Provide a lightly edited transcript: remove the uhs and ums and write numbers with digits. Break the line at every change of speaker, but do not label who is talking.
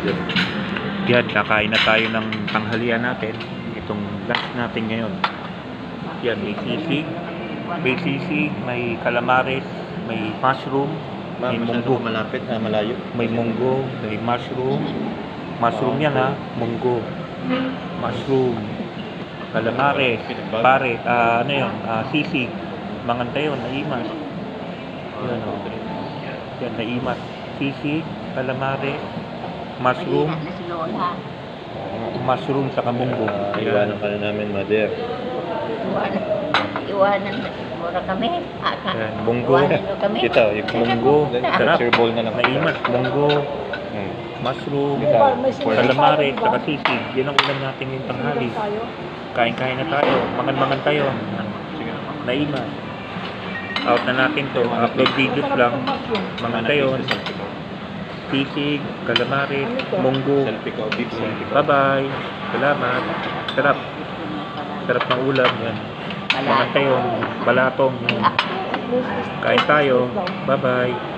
mother.
Yan, kakain na tayo ng tanghalian natin. Itong lunch natin ngayon. Yan, may sisig, may calamares, may mushroom, may
Masyado
munggo.
malapit, malayo.
May munggo, may mushroom. Mushroom yan ha, munggo. Mushroom, calamares, pare, ano yun, sisig, mangantayon, naimas. Yan o. Yan, naimas. Sisig, calamares, mushroom,
Malina na si Lola.
mushroom sa munggo.
Iwanan ka na namin, mother.
Iwanan na. Mura kami.
Yan, munggo.
Iwanan nyo kami.
Kita, yung
Munggo, sarap.
sir ball na lang.
Naimas, munggo,
Hmm.
mushroom,
Kita,
calamares, saka sisig. Yan ang ulam natin yung tanghali. Kain-kain na tayo, mangan-mangan tayo. Naimas. Out na natin to. Upload videos lang. Mangan tayo. Sisig, calamares, munggo.
Selfie ko, beef selfie ko.
Bye-bye. Salamat. Sarap. Sarap ng ulam. Yan. Mangan tayo. Balatong. Kain tayo. Bye-bye.